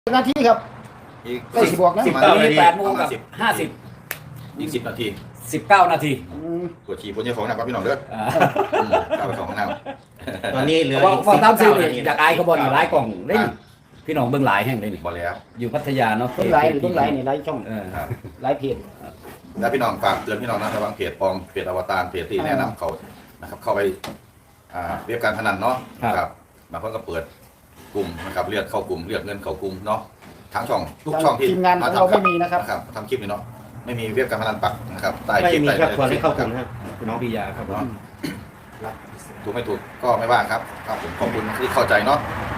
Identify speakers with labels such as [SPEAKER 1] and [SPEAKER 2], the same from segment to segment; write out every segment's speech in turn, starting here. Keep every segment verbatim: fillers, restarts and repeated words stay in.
[SPEAKER 1] นาทีครับ
[SPEAKER 2] อีก
[SPEAKER 1] ใกล้สิบบอกนะ
[SPEAKER 2] สิบ
[SPEAKER 3] ต
[SPEAKER 2] เก้า
[SPEAKER 3] อน
[SPEAKER 2] นา
[SPEAKER 3] นี้
[SPEAKER 2] ที
[SPEAKER 3] แปดโมงกับห้าสิบ
[SPEAKER 2] อีกสิบนาที
[SPEAKER 3] สิบเก้านาที
[SPEAKER 1] อืม
[SPEAKER 2] ปวดฉี่ปวดเยี่ยวของนะครับพี่น้องเด้อ
[SPEAKER 3] อ่า
[SPEAKER 2] อืมเข้าไปของน้ำ
[SPEAKER 4] ตอนนี้เหลือ
[SPEAKER 3] ว่า
[SPEAKER 4] อีก
[SPEAKER 3] ว่าตามซื้อ
[SPEAKER 4] สิบ
[SPEAKER 3] นี่
[SPEAKER 4] เก้านาที
[SPEAKER 3] จากอายเขาบอลหลายกล่องได้นี่พี่น้องเบื้องหลายแห่งเลยนี่
[SPEAKER 2] บอกแล้ว
[SPEAKER 3] อยู่พัทยาเนาะ
[SPEAKER 1] เพิ่งไลฟ์หรือเพิ่งไลฟ์นี่ไลฟ์ช่อง
[SPEAKER 3] เออ
[SPEAKER 2] ครับ
[SPEAKER 1] ไลฟ์เพจ
[SPEAKER 2] แล้วพี่น้องฝากเตือนพี่น้องนะระวังเพจปลอมเพจอวตารเพจที่แนะนำเขานะครับเข้าไปอ่าเรียกการพนันเนาะนะครับบางคนก็เปิดกลุ่มนะครับเรียกเข้ากลุ่มเรียกเงินเข้ากลุ่มเนาะทั้งช่องทุกช่องที่
[SPEAKER 1] ทีมงานของเราไม่มีนะครับ
[SPEAKER 2] ทำคลิปนี่เนาะไม่มีเรียกการพนันปักนะครับใต้
[SPEAKER 4] ไม่
[SPEAKER 2] คลิป
[SPEAKER 4] มี
[SPEAKER 2] ใต้
[SPEAKER 4] ครับควรให้เข้ากลุ่มนะครับ
[SPEAKER 3] น้องปิยาครับผม
[SPEAKER 2] ถูกไม่ถูกก็ไม่ว่าครับครับผมขอบคุณที่เข้าใจเนาะ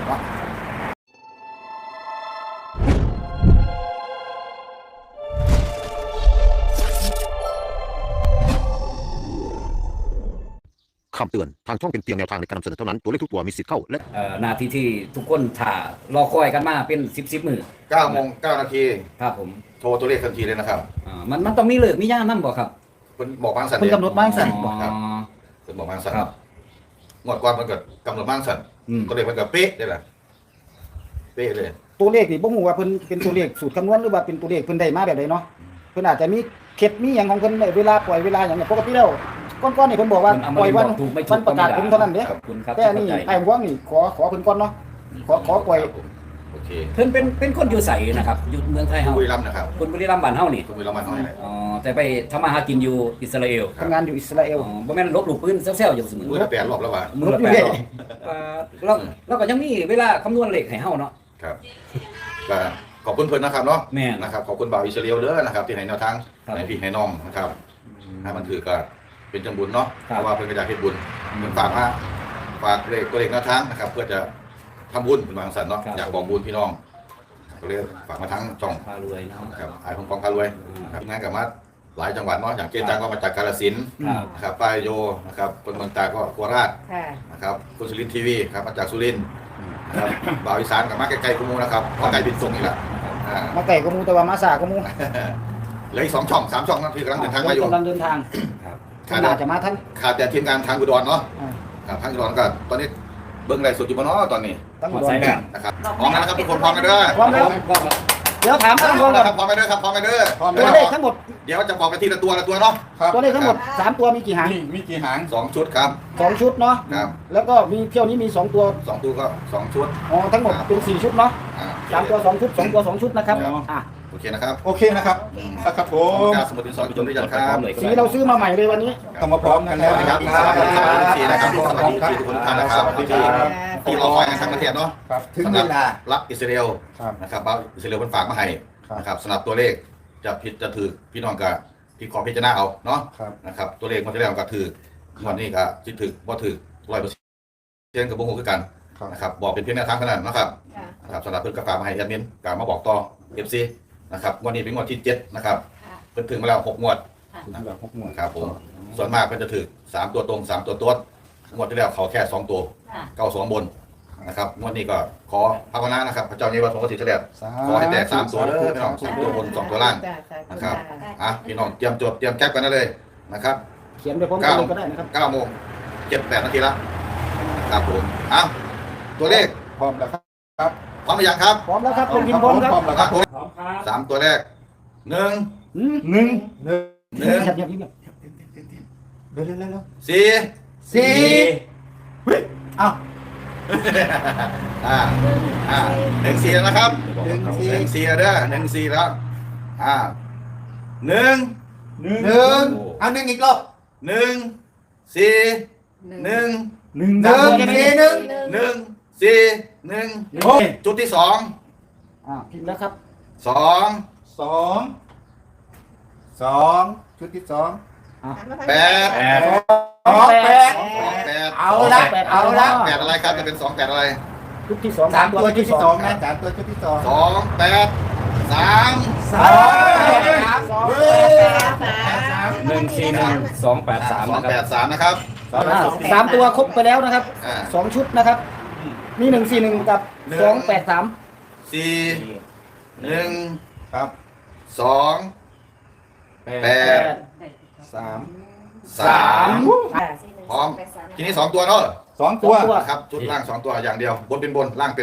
[SPEAKER 5] คำเตือน ทางช่องเป็นเพียงแนวทางในการนำเสนอเท่านั้น ตัวเลขทุกตัวมีสิทธิ์เข้าและ
[SPEAKER 3] เอ่อนาทีที่ทุกคนถ่ารอคอยกันมาเป็นสิบสิบมือ
[SPEAKER 2] เก้าโมงเก้านาที
[SPEAKER 3] ครับผม
[SPEAKER 2] โทรตัวเลขทันทีเลยนะครับ
[SPEAKER 3] อ่ามันมันต้องมีเลิกมีย่ามนั่นบ่ครับ
[SPEAKER 2] คุณบอกบางสัน
[SPEAKER 1] เพิ่นกำหนดบ้างสั่น
[SPEAKER 3] อ๋อ
[SPEAKER 2] ครับคุณบอกบางสัน
[SPEAKER 3] ครับ
[SPEAKER 2] งวดก่อนมันก็กำหนดบางสัน
[SPEAKER 3] อืม
[SPEAKER 2] ตัวเลขมันก็เป๊ะได้แหละเป๊ะเลย
[SPEAKER 1] ตัวเลขนี่บ่ฮู้ว่าเพิ่นเป็นตัวเลขสูตรคำนวณหรือว่าเป็นตัวเลขเพิ่นได้มาแบบใดเนาะเพิ่นอาจจะมีเคล็ดมีหยังของเพิ่นเวลาปล่อยเวลาหยังเนี่ยปกติแล้วก่อนๆนี่เพิ่นบอกว่า
[SPEAKER 3] เพิ่นเอามา
[SPEAKER 1] ปล่อยวัน
[SPEAKER 3] บอกถูกไม่ถูก
[SPEAKER 1] วันประกาศผลเท่านั้นเด้
[SPEAKER 3] ขอบคุณครับ
[SPEAKER 1] แต่อันนี้
[SPEAKER 3] ที่เข้าใจ
[SPEAKER 1] ไอ้พวกนี่ขอขอเพิ่นก่อนเนาะขอขอปล่อย
[SPEAKER 2] ครับผมโอเค
[SPEAKER 3] เพิ่นเป็นเป็นคนอยู่ใสนะครับอยู่เมืองไทยเฮา
[SPEAKER 2] บุรีรัมย์นะครับ
[SPEAKER 3] คนบุรีรัมย์บ้านเฮานี่
[SPEAKER 2] คุณบุรีรัมย์มาหน่อยเลย
[SPEAKER 3] อ๋อแต่ไปทำมาหากินอยู่อิสราเอล
[SPEAKER 1] ทำงานอยู่อิสราเอล
[SPEAKER 3] อ๋อบ่แม่นลบหลู่ปืนแซวๆอยู่เสมอ
[SPEAKER 2] มือละแปดรอบแล้วว่ะ
[SPEAKER 3] มือละ
[SPEAKER 1] ลบอยู่
[SPEAKER 3] แปด
[SPEAKER 1] เรื่อย
[SPEAKER 3] รอบเอ่อแล้วแล้วก็ยังมีเวลาคำนวณเลขให้เฮาเนาะ
[SPEAKER 2] ครับก็ขอบคุณเพื่อนนะครับเนาะ
[SPEAKER 3] แม่น
[SPEAKER 2] นะครับขอบคุณบ่าวอิสราเอลเด้อนะครับที่ให้แนวทาง
[SPEAKER 3] ครับ
[SPEAKER 2] ให้พี่ให้น้องนะครับให้มันถือก็เป็นจังบุญเนาะ
[SPEAKER 3] ครั
[SPEAKER 2] เพ
[SPEAKER 3] บ
[SPEAKER 2] ราะว่าเพื่อนก็อยากเฮ็ดบุญเพิ่นฝากมาฝากเลขตัวเลขแนวทางนะครับ เพื่อจะทำบุญเป็นบางสันเนาะอยากบอกบุญพี่น้องก็เลยฝากมาทั้งช่อง
[SPEAKER 3] พารวยเนาะ
[SPEAKER 2] นะครับไอ้พงปองพารวยนะครับงานกับมาหลายจังหวัดเนาะอย่างเกจังก็มาจากกาฬสินธุ์
[SPEAKER 3] ครับ
[SPEAKER 2] นะครับป้ายโยนะครับคนเมืองตากก็โคราช
[SPEAKER 6] ค่ะ
[SPEAKER 2] นะครับคุณสุรินทร์ทีวีครับมาจากสุรินทร์นะครับบ่าวอีสานกับมาใกล้ๆกุมูนะครับเพราะไกลบินส่งอีกแล้วอ่า
[SPEAKER 1] มาไก่ก็มูแต่ว่ามาสาก็มู
[SPEAKER 2] เหลืออีกสองช่องสามช่องนั่นที่กำลังเดินทางมาอยู่
[SPEAKER 1] กำลังเดินทาง
[SPEAKER 3] ครับ
[SPEAKER 1] ท่านอาจจะมาท่าน
[SPEAKER 2] ขาดแต่ทีมงานทางอุดรเนาะ
[SPEAKER 1] อ่า
[SPEAKER 2] ครับทางอุดรก็ตอนนี้เบิ้งไรสุดอยู่บ่เนาะตอนนี้
[SPEAKER 1] ตั้ง
[SPEAKER 3] หม
[SPEAKER 1] อุ
[SPEAKER 3] ด
[SPEAKER 1] ด
[SPEAKER 3] สาย
[SPEAKER 1] ร
[SPEAKER 3] แม่น
[SPEAKER 2] นะครับพร้อมแล้วนะครับทุกคนพร้อมกันเด้อ
[SPEAKER 1] พร้อมแล้ว
[SPEAKER 3] ก็
[SPEAKER 1] เดี๋ยวถามตั้ง
[SPEAKER 2] พ
[SPEAKER 1] ก่
[SPEAKER 2] ร้
[SPEAKER 1] อ
[SPEAKER 2] อน ม
[SPEAKER 1] ก่
[SPEAKER 2] แล้
[SPEAKER 1] อ
[SPEAKER 2] วน ครับพร้อมกันเด้อครับพร้อมกันเด้อ
[SPEAKER 1] ตัวเลขทั้งหมด
[SPEAKER 2] เดี๋ยวจะบอกไปทีละตัวละตัวเนาะ
[SPEAKER 1] ตัวเลขทั้งหมดสามตัวมีกี่หาง
[SPEAKER 2] มีมีกี่หางสองชุดครับ
[SPEAKER 1] สองชุดเนาะ
[SPEAKER 2] ครับ
[SPEAKER 1] แล้วก็มีเที่ยวนี้มีสองตัว
[SPEAKER 2] สองตัวก็สองชุด
[SPEAKER 1] อ๋อทั้งหมดเป็นสี่ชุดเนาะ
[SPEAKER 2] อ่า
[SPEAKER 1] สามตัวสองชุดสองตัวสองชุดนะครับอ่ะ
[SPEAKER 2] โอเคนะครับ
[SPEAKER 7] โอเคนะครับครับผ
[SPEAKER 2] ขอบคุณ
[SPEAKER 7] ม
[SPEAKER 2] ครับสมุดดินสอพิจารณาครับ
[SPEAKER 1] สีเราซื้อมาใหม่เลยวันนี้
[SPEAKER 7] ต้องมาพร้อมกันแล้ว
[SPEAKER 2] สวัสดี
[SPEAKER 7] นะ
[SPEAKER 2] ค
[SPEAKER 7] ค
[SPEAKER 2] รั
[SPEAKER 7] รั
[SPEAKER 2] บบ สวัสดีครับสวัสดีนะครับสวัสดีทุกท่านนะครับที่ที่เราคอยกันทั้งประเทศเนาะ
[SPEAKER 7] ครับถึงเวลา
[SPEAKER 2] รักอิสราเอล
[SPEAKER 7] ครับ
[SPEAKER 2] นะครับบ้าอิสราเอลเพิ่นฝากมาให้
[SPEAKER 7] ครับ
[SPEAKER 2] นะครับสำหรับตัวเลขจะผิดจะถือพี่น้องก็พี่ขอพิจารณาเอาเนาะ
[SPEAKER 7] ครับ
[SPEAKER 2] นะครับตัวเลขมันจะแล้วก็ถือวันนี้ก็จิตถือบ่ถือร้อยเปอร์เซ็นต์กับบ่ฮู้คือกัน
[SPEAKER 7] ครับ
[SPEAKER 2] นะครับบอกเป็นเพียงแนวทางเท่านั้นนะครับ
[SPEAKER 6] ค่ะ
[SPEAKER 2] นะครับสำหรับเพิ่นก็ฝากมาให้แอดมินก็มาบอกต่อ เอฟ ซี นะครับงวดนี้เป็นงวดที่เจ็ดนะครับ
[SPEAKER 6] ค่ะ
[SPEAKER 2] เพิ่นถึงมาแล้วหกงวด
[SPEAKER 7] แบบหกหมื่น
[SPEAKER 2] ครับผมส่วนมากเพิ่นจะถือสามตัวตรงสามตัวต้นงวดที่แล้วเขาแค่สองตัว
[SPEAKER 6] ค่ะ
[SPEAKER 2] เก้าสองบนนะครับงวดนี้ก็ขอภาวนานะครับพระเจ้านี้ว่าสงฆ์สิทธิ์เฉลี่ยขอให้แตกสามตัวเด้อพี่น้องสามตัวบนสองตัวล่าง
[SPEAKER 6] จ้ะจ้ะ
[SPEAKER 2] นะครับ
[SPEAKER 6] จ้ะ
[SPEAKER 2] อ่ะพี่น้องเตรียมจดเตรียมแก๊ปกันได้เลยนะครับ
[SPEAKER 1] เขียนไปพร้อมกันเลยก็ได้นะครับ
[SPEAKER 2] เก้าโมงเจ็ดแปดนาทีละครับผมเอ้าตัวเลข
[SPEAKER 7] พร้อมแล้วครับ
[SPEAKER 2] พร้อมหรือยังครับ
[SPEAKER 1] พร้อมแล้วครับคุณพิมพ์พร้อมครับ
[SPEAKER 7] พร้อมแล้ว
[SPEAKER 2] ค
[SPEAKER 7] ค
[SPEAKER 2] รั
[SPEAKER 7] รั
[SPEAKER 2] บบ ผม
[SPEAKER 3] พร้อมครับ
[SPEAKER 2] สามตัวแรกหนึ่ง
[SPEAKER 1] อืม
[SPEAKER 7] หนึ่งหนึ่ง
[SPEAKER 2] หนึ่ง
[SPEAKER 1] เงียบเงียบเงียบ
[SPEAKER 7] เร็วเร็วเร็วเร็ว
[SPEAKER 2] สี่
[SPEAKER 7] สี่เฮ้ยอ้าว
[SPEAKER 2] อ่าอ่าหนึ่งสี่แล้วนะครับ
[SPEAKER 7] หนึ่งสี่
[SPEAKER 2] หนึ่งสี่แล้วเด้อหนึ่งสี่แล้วอ่าหนึ่ง
[SPEAKER 7] หนึ่งหนึ่งเอาหนึ่งอีกรอบ
[SPEAKER 2] หนึ่งสี่หนึ่ง
[SPEAKER 7] หนึ่งหนึ่งสี่หนึ่ง
[SPEAKER 2] หนึ่งสี่หนึ่ง
[SPEAKER 7] โอ้
[SPEAKER 2] จุดที่สอง
[SPEAKER 1] อ่าพิมพ์แล้วครับ
[SPEAKER 2] สอง
[SPEAKER 7] สองสองชุดที่สอง
[SPEAKER 2] แปด
[SPEAKER 3] แปด
[SPEAKER 7] สองแปด
[SPEAKER 2] สองแปด
[SPEAKER 7] เอาละเอาละ
[SPEAKER 2] แปดอะไรครับจะเป็นสองแปดอะไร
[SPEAKER 1] ชุดที่สอง
[SPEAKER 7] สามตัวชุดที่สองนะสามตัวชุดที่สอง
[SPEAKER 2] สองแปดสาม
[SPEAKER 7] สามเฮ้ย
[SPEAKER 3] หนึ่งสี่หนึ่งสองแปดสาม
[SPEAKER 2] สอง
[SPEAKER 3] นะค
[SPEAKER 2] แป
[SPEAKER 3] รั
[SPEAKER 2] ด
[SPEAKER 3] บ
[SPEAKER 2] สามนะครับ
[SPEAKER 7] สอง
[SPEAKER 1] อ่าสามตัวครบไปแล้วนะครับ
[SPEAKER 2] อ่า
[SPEAKER 1] สองชุดนะครับ มีหนึ่งสี่หนึ่งกับ
[SPEAKER 2] หนึ่ง
[SPEAKER 1] สองแปดสาม
[SPEAKER 2] สี่หนึ่ง
[SPEAKER 7] ครับ
[SPEAKER 2] สองแปด
[SPEAKER 7] สาม
[SPEAKER 2] สามพร้อมทีนี้สองตัวเนาะ
[SPEAKER 7] สองตัว
[SPEAKER 2] นะครับชุดล่างสองตัวอย่างเดียวบนเป็นบนล่างเป็นล่าง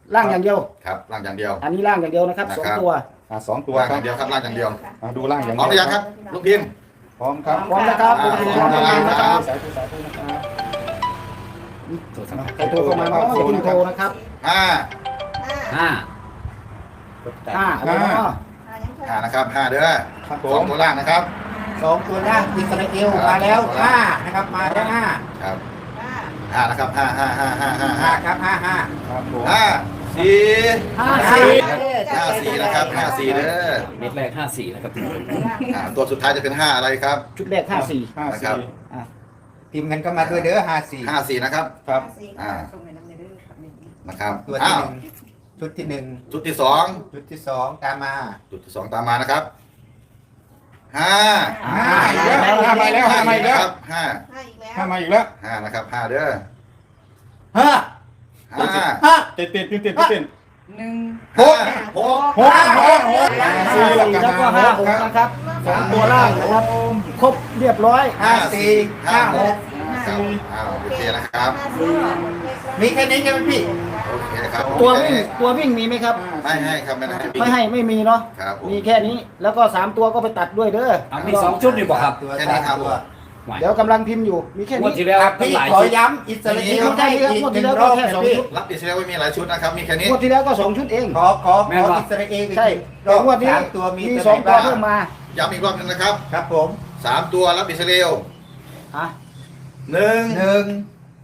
[SPEAKER 1] ล่างอย่างเดียว
[SPEAKER 2] ครับล่างอย่างเดียว
[SPEAKER 1] อันนี้ล่างอย่างเดียวนะครับ
[SPEAKER 2] นะ
[SPEAKER 1] สอง
[SPEAKER 2] ครับ
[SPEAKER 1] ตัว
[SPEAKER 7] อ่าสองตัว
[SPEAKER 2] ล่าง
[SPEAKER 7] ค
[SPEAKER 2] อ
[SPEAKER 7] รับ
[SPEAKER 2] ย่างเดียวครับล่างอย่างเดียว
[SPEAKER 7] อ่าดูล่างอย่าง
[SPEAKER 2] พร้อมหรือยังครับลูกพิมพ์
[SPEAKER 7] พร้อมครับ
[SPEAKER 1] พร้อมนะครับ
[SPEAKER 2] อ่า
[SPEAKER 1] พร้อมนะครับ
[SPEAKER 7] สาธุสาธุนะครับ
[SPEAKER 1] ใครโทรเข้ามาเนาะคุณโทรนะครับ
[SPEAKER 2] ห้า
[SPEAKER 3] ห้า
[SPEAKER 1] ห้าเอาไว้เนาะ
[SPEAKER 2] ห้านะครับห้าเด้อ
[SPEAKER 7] ครับผ
[SPEAKER 2] สอง
[SPEAKER 7] ม
[SPEAKER 2] ตัวล่างนะครับ
[SPEAKER 4] สองตัวล่างอิสราเอลมาแล้วห้านะครับมาแล้วห้า
[SPEAKER 2] ครับห้านะครับห้าห้าห้าห้าห้า
[SPEAKER 4] ห้า
[SPEAKER 2] ห้า
[SPEAKER 4] ครับห้าห้า
[SPEAKER 7] ครับผม
[SPEAKER 2] ห้าสี่
[SPEAKER 1] ห้าสี่
[SPEAKER 2] ห้าสี่นะครับห้าสี่เด้อ
[SPEAKER 3] เม็ดแรกห้าสี่นะครับ
[SPEAKER 2] อ่าตัวสุดท้ายจะเป็นห้าอะไรครับ
[SPEAKER 1] ชุดแรกห้าสี่
[SPEAKER 7] ห้า
[SPEAKER 2] นะครั
[SPEAKER 7] สี่
[SPEAKER 2] บ
[SPEAKER 1] อ่ะ
[SPEAKER 4] พิมพ์กันก็มาด้วยเด้อห้าสี่
[SPEAKER 2] ห้าสี่นะครับ
[SPEAKER 7] ครับ
[SPEAKER 2] อ่านะครับ
[SPEAKER 4] ตัว
[SPEAKER 2] อ้า
[SPEAKER 4] ที่
[SPEAKER 2] ว
[SPEAKER 4] หนึ่งชุดที่หนึ่ง
[SPEAKER 2] ชุดที่สอง
[SPEAKER 4] ชุดที่สองตามมา
[SPEAKER 2] จุดที่สองตามมานะครับห้า
[SPEAKER 7] ห้าอีกแล้วห้ามาแล้วห้ามาอีกแล้ว
[SPEAKER 2] ครับห้า
[SPEAKER 7] ห้ามาอีกแล้ว
[SPEAKER 2] ห้านะครับห้าเด้อ
[SPEAKER 4] ห้า
[SPEAKER 2] ห้า
[SPEAKER 4] ห้า
[SPEAKER 7] เต้นเต้นเต้นเต้นเต้น
[SPEAKER 2] หกหก
[SPEAKER 7] หกหกหก
[SPEAKER 1] ห้าสี่แล้วก็ห้าหกนะครับสองตัวล่างนะครับครบเรียบร้อย
[SPEAKER 4] ห้าสี่ห้าหก
[SPEAKER 2] ครับอ้าวโอเคนะครับ
[SPEAKER 4] มีแค่นี้ใช่ไหมพี่
[SPEAKER 2] โอเคครับ
[SPEAKER 1] ตัววิ่งตัววิ่งมีไหมครับ
[SPEAKER 2] ไม่ให้ครับไม่ให้
[SPEAKER 1] ไม่ให้ไม่มีเนาะ
[SPEAKER 2] ครับผม
[SPEAKER 1] มีแค่นี้แล้วก็สามตัวก็ไปตัดด้วยเด้อ
[SPEAKER 3] เอามีสองชุดดีกว่าครับ
[SPEAKER 4] ตัว
[SPEAKER 2] แค่
[SPEAKER 4] สา
[SPEAKER 2] นี้
[SPEAKER 4] ม
[SPEAKER 2] ครับ
[SPEAKER 4] ตัว
[SPEAKER 1] เดี๋ยวกำลังพิมพ์อยู่มีแค่
[SPEAKER 3] งวด
[SPEAKER 1] นี้
[SPEAKER 3] ที่แล้วทั้ง
[SPEAKER 4] พี่
[SPEAKER 3] หลาย
[SPEAKER 4] ขอ
[SPEAKER 3] ชุด
[SPEAKER 4] ย้ำอิสราเอล
[SPEAKER 1] ไม่
[SPEAKER 4] ได้
[SPEAKER 1] ใช่
[SPEAKER 4] อีก
[SPEAKER 1] งวด
[SPEAKER 4] ห
[SPEAKER 1] ที่
[SPEAKER 4] นึ่ง
[SPEAKER 1] แล้ว
[SPEAKER 4] ร
[SPEAKER 1] ก็
[SPEAKER 4] อบ
[SPEAKER 1] แค่
[SPEAKER 4] นะ
[SPEAKER 1] สอง
[SPEAKER 4] พี่
[SPEAKER 1] ชุด
[SPEAKER 2] รับอิสราเอลไม่มีหลายชุดนะครับมีแค่นี้
[SPEAKER 1] งวดที่แล้วก็สองชุดเอง
[SPEAKER 4] ขอขอขออิสราเอลอีก
[SPEAKER 1] ใช่
[SPEAKER 4] ร
[SPEAKER 1] แต่
[SPEAKER 4] อบ
[SPEAKER 1] งวดนี้
[SPEAKER 4] สามตัวมี
[SPEAKER 1] มี
[SPEAKER 4] ตัว
[SPEAKER 1] สอง
[SPEAKER 4] ไหน
[SPEAKER 1] ตัว
[SPEAKER 4] บ้าง
[SPEAKER 1] เพิ่มมา
[SPEAKER 2] ย้ำอีกรอบหนึงนะครับ
[SPEAKER 4] ครับผม
[SPEAKER 2] สามตัวรับอิสราเอล
[SPEAKER 1] อ่ะ
[SPEAKER 2] หนึ่ง
[SPEAKER 4] หนึ่ง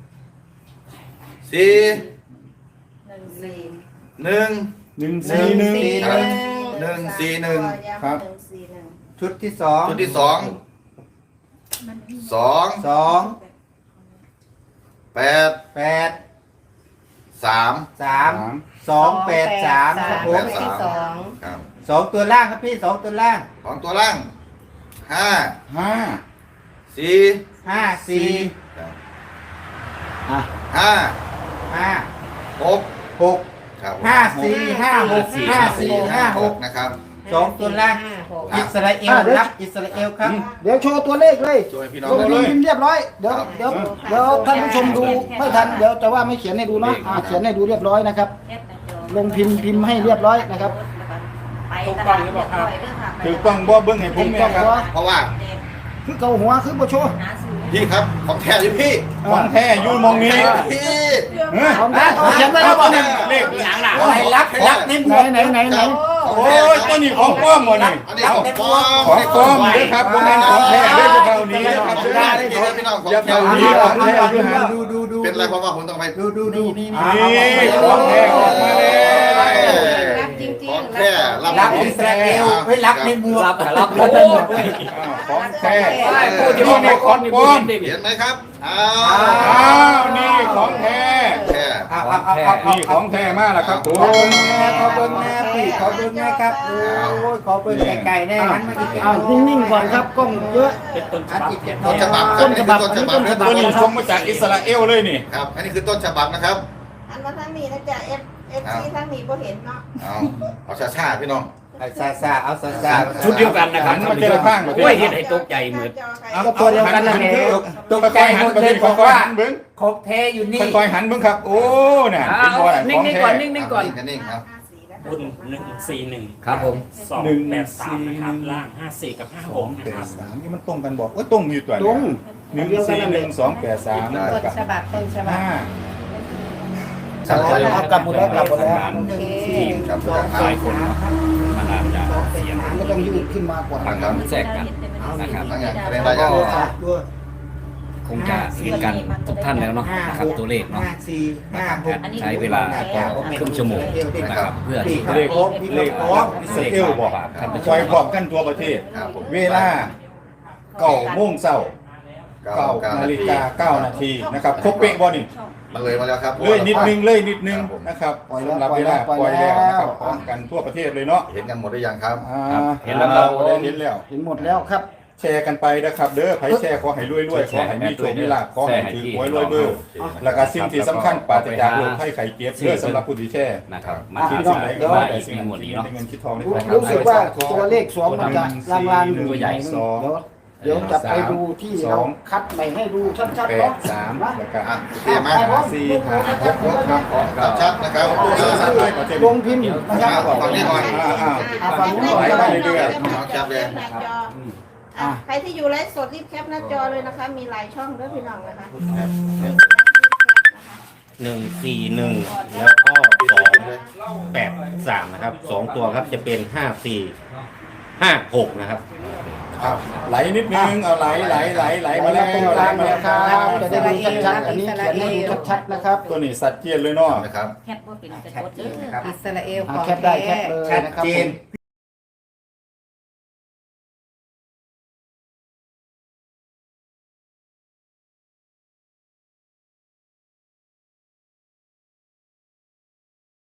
[SPEAKER 2] สี่
[SPEAKER 6] หนึ่งสี่
[SPEAKER 2] หนึ่ง
[SPEAKER 7] หนึ่งสี่หนึ่ง
[SPEAKER 2] ครับหนึ่งสี่หนึ่ง
[SPEAKER 7] ครับ
[SPEAKER 6] หนึ่งสี่หนึ่ง
[SPEAKER 4] ชุดที่สอง
[SPEAKER 2] ชุดที่สองสอง
[SPEAKER 4] สอง
[SPEAKER 2] แปด
[SPEAKER 4] แปด
[SPEAKER 2] สาม
[SPEAKER 4] สามสองแปดสามครับผ
[SPEAKER 2] แป
[SPEAKER 4] ม
[SPEAKER 2] ดสาม
[SPEAKER 6] สอง
[SPEAKER 2] ครับ
[SPEAKER 4] สองตัวล่างครับพี่สองตัวล่าง
[SPEAKER 2] ของตัวล่างห้า
[SPEAKER 7] ห้า
[SPEAKER 2] สี่
[SPEAKER 4] ห้าสี่
[SPEAKER 2] ครับ
[SPEAKER 1] อ่ะ
[SPEAKER 2] ห้า
[SPEAKER 4] ห้า
[SPEAKER 2] หก
[SPEAKER 4] หก
[SPEAKER 2] ครับ
[SPEAKER 4] ห้าสี่ห้าหกห้าสี่ห้าหก
[SPEAKER 2] นะครับ
[SPEAKER 4] สองตัวล่าง
[SPEAKER 6] ห้าหก
[SPEAKER 4] อิสราเอลรับอิสราเอลครับ
[SPEAKER 1] เดี๋ยวโชว์ตัวเลขเลย
[SPEAKER 2] ช่วยพี่น้อง
[SPEAKER 1] ลง
[SPEAKER 2] เลย
[SPEAKER 1] พิมพ์เรียบร้อยเดี๋ยวเดี๋ยวเดี๋ยวท่านผู้ชมดูไม่ทันเดี๋ยวจะว่าไม่เขียนให้ดูเนาะอ่ะเขียนให้ดูเรียบร้อยนะครับ ลงพิมพ์พิมพ์ให้เรียบร้อยนะครับ
[SPEAKER 6] ไปตลาดเรียบร้อยเด้อค่ะ
[SPEAKER 7] ถือกล้องบ่เบิ้งให้ผมแม่ครับ
[SPEAKER 2] เพราะว่า
[SPEAKER 1] คือเกาหัวคือบ่โชว์
[SPEAKER 6] หาซื้อ
[SPEAKER 2] พี่ครับของแท้อยู่พี่
[SPEAKER 7] ของแท้อยู่มองนี้
[SPEAKER 2] พี่
[SPEAKER 7] เฮ้ย
[SPEAKER 1] ของแท้เอาเขียนไว้แล้วบ่เนี่ย
[SPEAKER 7] เลข
[SPEAKER 3] หนังหนา
[SPEAKER 4] อะไรรับรับในหม
[SPEAKER 1] ไหน
[SPEAKER 4] วก
[SPEAKER 1] ไหนไหนไหน
[SPEAKER 7] โอ้ยตัวนี้ของปลอมหมดนี่
[SPEAKER 2] อันนี้ของปลอม
[SPEAKER 7] ของปลอมเด้อครับบ่แม่นของแท้เด้อพวกเรานี้นะครับ
[SPEAKER 2] ไม่ได้เลยพี่น้องของ
[SPEAKER 7] อย่า
[SPEAKER 2] แท้
[SPEAKER 7] เผานี้ของแท้อยู่หัน
[SPEAKER 4] ดูดูดู
[SPEAKER 2] เป็นไรเพราะว่าผมต้องไป
[SPEAKER 4] ดูดูดูนี่
[SPEAKER 7] นี่ของแท้ออกมาแล้ว
[SPEAKER 6] รับจริงๆ
[SPEAKER 2] ของแท้รับ
[SPEAKER 4] รับอิสราเอลไม่รับในหมวก
[SPEAKER 3] รับรับโอ้
[SPEAKER 7] ของแท้
[SPEAKER 3] พูดที่ว่าในคอนมีบุญดิ
[SPEAKER 2] เห็นไหมครับอ้า
[SPEAKER 7] อ้าว วนี่ของแท้
[SPEAKER 2] แท้
[SPEAKER 4] เอาเอาเอาเอา
[SPEAKER 7] นี่ของแท้มากแล้วครับผม
[SPEAKER 4] ขอเบิ้งแน่พี่ขอเบิ้งแน่ครับโอ้ยขอเบิ้งไก่ๆแน่งั้นมาอีก
[SPEAKER 1] อ้าวนิ่งๆก่อนครับกล้องเยอะ
[SPEAKER 4] อันอีกเจ็ด
[SPEAKER 2] ต้นฉบับครั
[SPEAKER 1] ต้
[SPEAKER 2] บ
[SPEAKER 1] น
[SPEAKER 2] นี่
[SPEAKER 1] ฉบั
[SPEAKER 2] คื
[SPEAKER 1] บ
[SPEAKER 2] อต้นฉบับ
[SPEAKER 1] อันนี้ต้นฉบั
[SPEAKER 7] ตัวนี้ส่งมาจากอิสราเอลเลยนี่
[SPEAKER 2] ครับอันนี้คือต้นฉบับนะครับ
[SPEAKER 6] อันว่าทั้งนี้นะจ๊ะเอฟเอฟซีทั้งนี้บ่เห็นเนาะ
[SPEAKER 2] เอาเอาช้าๆพี่น้อง
[SPEAKER 4] ซาซาเอาซาซา
[SPEAKER 3] ชุดเดียวกันนะครับ
[SPEAKER 7] หันมาเจอข้างประเทศ
[SPEAKER 3] โอ้ยเห็นให้ตกใจเหมือน
[SPEAKER 1] เอาก็ตัวเดียวกันนั่นแหละ
[SPEAKER 4] ตกใจ
[SPEAKER 7] หั
[SPEAKER 4] ห
[SPEAKER 7] น
[SPEAKER 4] มด
[SPEAKER 7] ประ
[SPEAKER 4] เล
[SPEAKER 7] เท
[SPEAKER 4] ย
[SPEAKER 7] ศ
[SPEAKER 4] บ
[SPEAKER 7] ค่
[SPEAKER 4] อ
[SPEAKER 7] อก ยๆ
[SPEAKER 4] ว่า
[SPEAKER 7] หันเบิ้ง
[SPEAKER 4] ของแท้อยู่นี่
[SPEAKER 7] ค่อยๆหันเบิ้งครับ โอ้น่ะ
[SPEAKER 3] อ่า
[SPEAKER 7] เป็นบ่อ
[SPEAKER 3] นิ่งๆก่อนนิ่งๆก่อน
[SPEAKER 2] นิ่งๆครับ
[SPEAKER 8] รุ่นหนึ่งสี่หนึ่ง
[SPEAKER 3] ครับผม
[SPEAKER 8] สองแปดสามนะครับล่างห้าสี่กับห้าหกนะ
[SPEAKER 7] แป
[SPEAKER 8] ครั
[SPEAKER 7] ด
[SPEAKER 8] บ
[SPEAKER 7] สามนี่มันตรงกันบอกว่าตรงอยู่ตัว
[SPEAKER 1] ตรง
[SPEAKER 7] หนึ่งสี่หนึ่งสองแปดสาม
[SPEAKER 2] ได้
[SPEAKER 6] ต้น
[SPEAKER 7] กับ
[SPEAKER 6] ฉบับต้นฉบับ
[SPEAKER 7] ห้า
[SPEAKER 2] ชัดเจน
[SPEAKER 1] เอากลับหมดแล้วกลับหมดแล้ว
[SPEAKER 6] โอเค
[SPEAKER 2] ครับ
[SPEAKER 3] หลายคนมันอาจจะเสียง
[SPEAKER 1] ก็ต้องยืดขึ้นมากว่า
[SPEAKER 3] บางครั้งแทรกกันนะครับ
[SPEAKER 2] ทั้งอย่างคะแนนได้ยัง
[SPEAKER 4] ตัว
[SPEAKER 3] คงจะเห็นกันทุกท่านแล้วเนาะนะครับตัวเลขเนาะ
[SPEAKER 4] ห้าสี่ห้าหก
[SPEAKER 3] ใช้เวลาครึ่งชั่วโมงนะครับเพื่อที่จะ
[SPEAKER 7] เลขเลขของอิสราเอลบอก
[SPEAKER 3] ท่านผู้ช
[SPEAKER 7] คอย
[SPEAKER 3] ม
[SPEAKER 7] พร้อมกันทั่วประเทศ
[SPEAKER 2] ครับผม
[SPEAKER 7] เวลาเก้าโมงเช้า
[SPEAKER 2] เก้า
[SPEAKER 7] เก้า
[SPEAKER 2] เก้า
[SPEAKER 7] นา
[SPEAKER 2] นา
[SPEAKER 7] ฬิ
[SPEAKER 2] ฬิ
[SPEAKER 7] กาก
[SPEAKER 2] า
[SPEAKER 7] เก้านาทีนะครับครบเป๊ะบ่นี่
[SPEAKER 2] มันเลยมาแล้วครับ
[SPEAKER 7] เลยนิดนึงเลยนิดนึงนะครับสำหรับเวลาปล่อยแล้วนะครับพร้อมกันทั่วประเทศเลยเนาะ
[SPEAKER 2] เห็นกันหมดหรือยังครับ
[SPEAKER 7] อ่า
[SPEAKER 3] เห็นแล้วครับ
[SPEAKER 7] ได้เห็นแล้ว
[SPEAKER 1] เห็นหมดแล้วครับ
[SPEAKER 7] แชร์กันไปนะครับเด้อไผแชร์ขอให้รวยๆขอให้มีโชคมีลาภขอให้ถือหวยรวยเบอร์แล้วก็สิ่งที่สำคัญปราศจากโรคภัยไข้เจ็บเด้อสำหรับผู้ที่แชร์
[SPEAKER 3] นะครับมา
[SPEAKER 7] มา
[SPEAKER 3] ที่
[SPEAKER 7] ที่
[SPEAKER 3] สิ่
[SPEAKER 7] สิ่
[SPEAKER 3] ง
[SPEAKER 7] ง
[SPEAKER 3] ไห
[SPEAKER 7] ไห
[SPEAKER 3] น
[SPEAKER 7] น
[SPEAKER 3] ก็
[SPEAKER 7] ก็
[SPEAKER 3] ว่า
[SPEAKER 7] ได้
[SPEAKER 3] อีก
[SPEAKER 7] สิ่ง
[SPEAKER 3] มีหมดนี้
[SPEAKER 7] ที่
[SPEAKER 3] เนาะ
[SPEAKER 7] ได้เงินคิดทองได้
[SPEAKER 1] รู้
[SPEAKER 7] ทอง
[SPEAKER 1] รู้สึกว่าตัวเลขสวมมันจะลางๆอยู่
[SPEAKER 3] ตัวใหญ่
[SPEAKER 1] เดี๋ยวเดี๋ยวจะไปดูที่เราคัดใหม่ให้ดูชัดๆ
[SPEAKER 7] แป
[SPEAKER 1] เนาะ
[SPEAKER 7] ดสาม
[SPEAKER 1] นะ
[SPEAKER 7] แล้วก็
[SPEAKER 2] อ่ะโอเคมา
[SPEAKER 7] สี่ห้าหกหกครับ
[SPEAKER 2] ชัดๆนะครับ
[SPEAKER 1] ลงพิมพ์นะครับ
[SPEAKER 2] ฟังนี้ก่อน
[SPEAKER 7] อ่าอ่า
[SPEAKER 1] อ่าฟังนี้ก่อน
[SPEAKER 7] ไหล
[SPEAKER 1] ก็
[SPEAKER 7] ไป
[SPEAKER 1] ได้
[SPEAKER 7] เรื่อย
[SPEAKER 2] เอาจับเลย
[SPEAKER 6] หน้าจออ่ะใครที่อยู่ไลฟ์สดรีบแคปหน้าจอเลยนะคะ มีหลายช่องด้วยพี่น้องนะคะ
[SPEAKER 9] หนึ่งสี่หนึ่งแล้วก็สองแปดสามนะครับสองตัวครับจะเป็นห้าสี่ห้าหกนะครับ
[SPEAKER 7] อ่ะไหลนิดนึงเอาไหลไหลไหลไหลมาแล้ว
[SPEAKER 1] ตรงกลางนะครับจะได้ดูชัดๆอันนี้เขียนให้ดูชัดๆนะครับ
[SPEAKER 7] ตัวนี้สัตว์เจียนเลยเนาะ
[SPEAKER 2] นะครับ
[SPEAKER 6] แคปว่าเป็นกระ
[SPEAKER 4] ชัด
[SPEAKER 6] จก
[SPEAKER 4] เจ
[SPEAKER 6] เด้
[SPEAKER 4] น
[SPEAKER 6] อ
[SPEAKER 4] นะครับ
[SPEAKER 6] อิ
[SPEAKER 4] อิสราเอล
[SPEAKER 1] อ่า
[SPEAKER 4] ของ
[SPEAKER 1] แคปได้แคปเลย
[SPEAKER 4] ชัด
[SPEAKER 1] นะครับ
[SPEAKER 4] เจ
[SPEAKER 1] ผ
[SPEAKER 4] น
[SPEAKER 1] ม